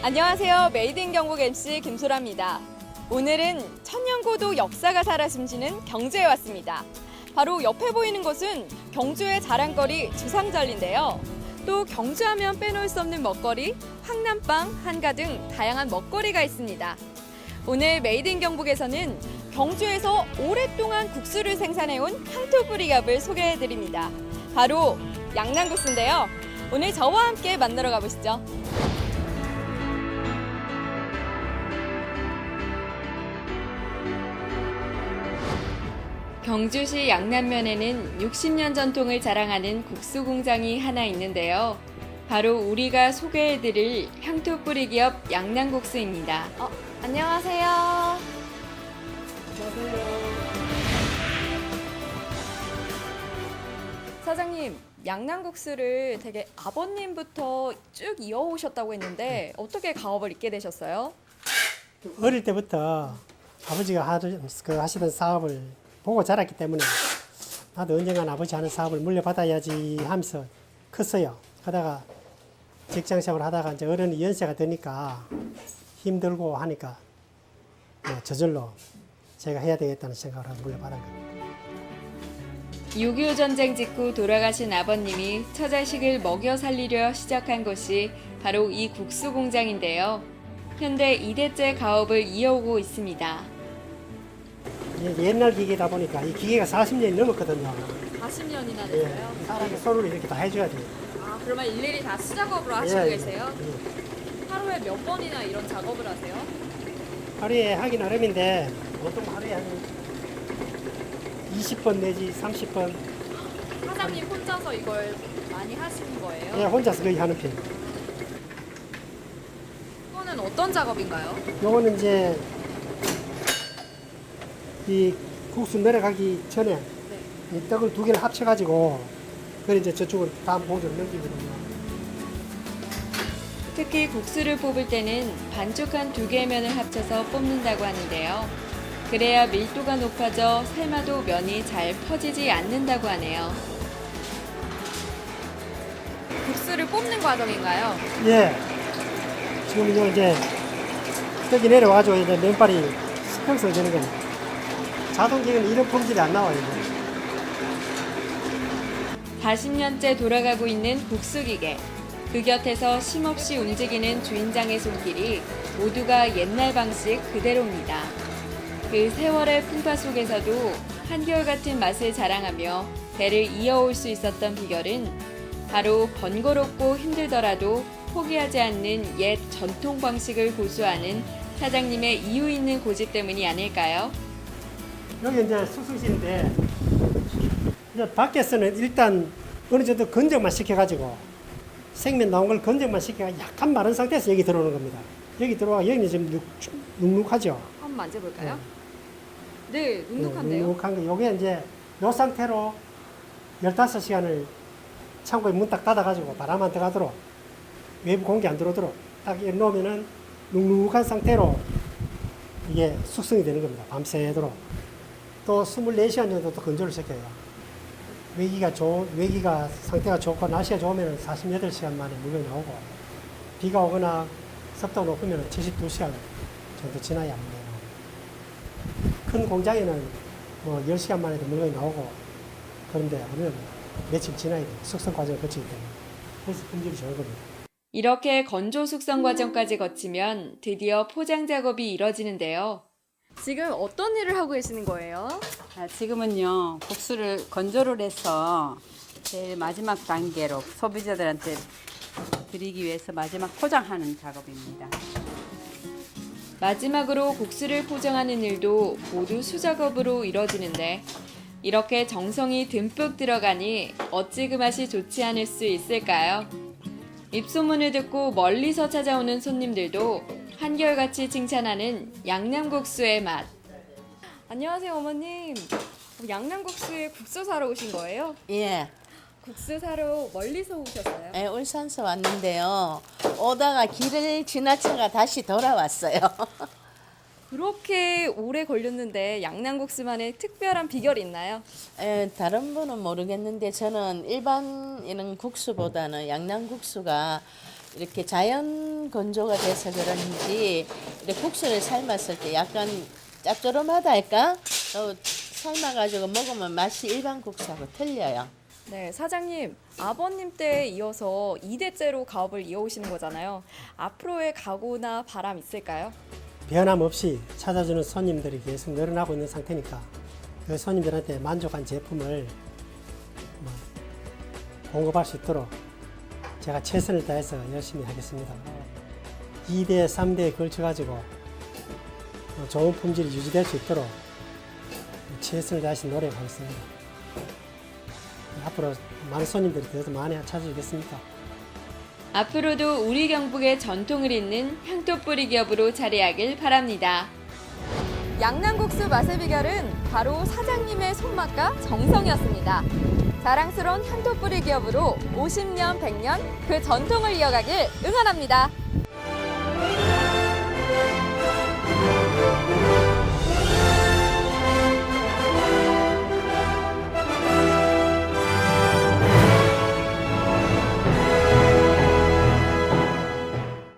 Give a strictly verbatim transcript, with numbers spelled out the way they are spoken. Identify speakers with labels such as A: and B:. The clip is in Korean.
A: 안녕하세요. 메이드 인 경북 엠씨 김소라입니다. 오늘은 천년고도 역사가 살아 숨쉬는 경주에 왔습니다. 바로 옆에 보이는 곳은 경주의 자랑거리 주상절리인데요. 또 경주하면 빼놓을 수 없는 먹거리, 황남빵, 한가 등 다양한 먹거리가 있습니다. 오늘 메이드 인 경북에서는 경주에서 오랫동안 국수를 생산해온 향토뿌리갑을 소개해드립니다. 바로 양난국수인데요. 오늘 저와 함께 만나러 가보시죠. 경주시 양남면에는 육십 년 전통을 자랑하는 국수 공장이 하나 있는데요. 바로 우리가 소개해드릴 향토뿌리 기업 양난국수입니다. 어, 안녕하세요.
B: 안녕하세요.
A: 사장님, 양난국수를 되게 아버님부터 쭉 이어오셨다고 했는데 어떻게 가업을 잇게 되셨어요?
B: 어릴 때부터 아버지가 하던, 그 하시던 사업을 보고 자랐기 때문에 나도 언젠간 아버지 하는 사업을 물려받아야지 하면서 컸어요. 하다가 직장생활 하다가 이제 어른이 연세가 드니까 힘들고 하니까 뭐 저절로 제가 해야 되겠다는 생각을 하고 물려받은 겁니다.
A: 육이오 전쟁 직후 돌아가신 아버님이 처자식을 먹여 살리려 시작한 곳이 바로 이 국수 공장인데요. 현재 이 대째 가업을 이어오고 있습니다.
B: 옛날 기계다 보니까 이 기계가 사십 년이 넘었거든요.
A: 사십 년이나
B: 예, 사람이 손으로 이렇게 다 해줘야 돼요.
A: 아, 그러면 일일이 다 수작업으로 하시고
B: 예,
A: 계세요?
B: 예.
A: 하루에 몇 번이나 이런 작업을 하세요?
B: 하루에 하기 나름인데 보통 하루에 한 이십 번 내지 삼십 번
A: 사장님 혼자서 이걸 많이 하시는 거예요?
B: 예, 혼자서 거의 하는 편이에요.
A: 이거는 어떤 작업인가요?
B: 요거는 이제 이 국수 내려가기 전에
A: 네.
B: 이 떡을 두 개를 합쳐가지고 그걸 이제 저쪽으로 다음 봉지로 넘기거든요.
A: 특히 국수를 뽑을 때는 반죽한 두 개의 면을 합쳐서 뽑는다고 하는데요. 그래야 밀도가 높아져 삶아도 면이 잘 퍼지지 않는다고 하네요. 국수를 뽑는 과정인가요?
B: 예. 지금 이거 이제 떡이 내려와가지고 이제 면발이 수평성 되는 겁니다. 자동기는 이런 품질이 안 나와요.
A: 사십 년째 돌아가고 있는 국수기계. 그 곁에서 쉼없이 움직이는 주인장의 손길이 모두가 옛날 방식 그대로입니다. 그 세월의 풍파 속에서도 한결같은 맛을 자랑하며 대를 이어올 수 있었던 비결은 바로 번거롭고 힘들더라도 포기하지 않는 옛 전통 방식을 고수하는 사장님의 이유 있는 고집 때문이 아닐까요?
B: 여기 이제 숙성실인데 이제 밖에서는 일단 어느 정도 건조만 시켜가지고 생면 나온 걸 건조만 시켜가 약간 마른 상태에서 여기 들어오는 겁니다. 여기 들어와 여기는 지금 눅, 눅눅하죠.
A: 한번 만져볼까요?
B: 네.
A: 네, 눅눅한데요.
B: 눅눅한 거. 요게 이제 요 상태로 열다섯 시간을 창고에 문 딱 닫아가지고 바람 안 들어가도록 외부 공기 안 들어오도록 딱 이렇게 놓으면은 눅눅한 상태로 이게 숙성이 되는 겁니다. 밤새도록. 또 이십사 시간 정도 또 건조를 시켜요. 외기가 좋, 외기가 상태가 좋고 날씨가 좋으면 사십팔 시간 만에 물건이 나오고 비가 오거나 습도가 높으면 칠십이 시간 정도 지나야 물건이 나옵니다. 큰 공장에는 뭐 십 시간 만에도 물건이 나오고 그런데 우리는 며칠 지나야 돼요. 숙성 과정을 거치기 때문에. 그래서 품질이 좋은 겁니다.
A: 이렇게 건조 숙성 과정까지 거치면 드디어 포장 작업이 이뤄지는데요. 지금 어떤 일을 하고 계시는 거예요?
C: 아, 지금은요 국수를 건조를 해서 제일 마지막 단계로 소비자들한테 드리기 위해서 마지막 포장하는 작업입니다.
A: 마지막으로 국수를 포장하는 일도 모두 수작업으로 이뤄지는데 이렇게 정성이 듬뿍 들어가니 어찌 그 맛이 좋지 않을 수 있을까요? 입소문을 듣고 멀리서 찾아오는 손님들도 한결같이 칭찬하는 양남국수의 맛. 안녕하세요, 어머님. 양남국수에 국수 사러 오신 거예요?
D: 예,
A: 국수 사러 멀리서 오셨어요?
D: 예, 울산서 왔는데요. 오다가 길을 지나쳐가 다시 돌아왔어요.
A: 그렇게 오래 걸렸는데 양남국수만의 특별한 비결이 있나요?
D: 예, 다른 분은 모르겠는데 저는 일반 이런 국수보다는 양념국수가 이렇게 자연 건조가 돼서 그런지 이렇게 국수를 삶았을 때 약간 짭조름하다 할까? 또 삶아가지고 먹으면 맛이 일반 국수하고 틀려요.
A: 네, 사장님, 아버님 때에 이어서 이 대째로 가업을 이어오시는 거잖아요. 앞으로의 각오나 바람 있을까요?
B: 변함없이 찾아주는 손님들이 계속 늘어나고 있는 상태니까 그 손님들한테 만족한 제품을 뭐 공급할 수 있도록 제가 최선을 다해서 열심히 하겠습니다. 이 대, 삼 대에 걸쳐가지고 좋은 품질이 유지될 수 있도록 최선을 다해서 노력하겠습니다. 앞으로 많은 손님들이 더 많이 찾아주겠습니다.
A: 앞으로도 우리 경북의 전통을 잇는 향토 뿌리 기업으로 자리하길 바랍니다. 양남국수 맛의 비결은 바로 사장님의 손맛과 정성이었습니다. 자랑스러운 향토 뿌리 기업으로 오십 년, 백 년 그 전통을 이어가길 응원합니다.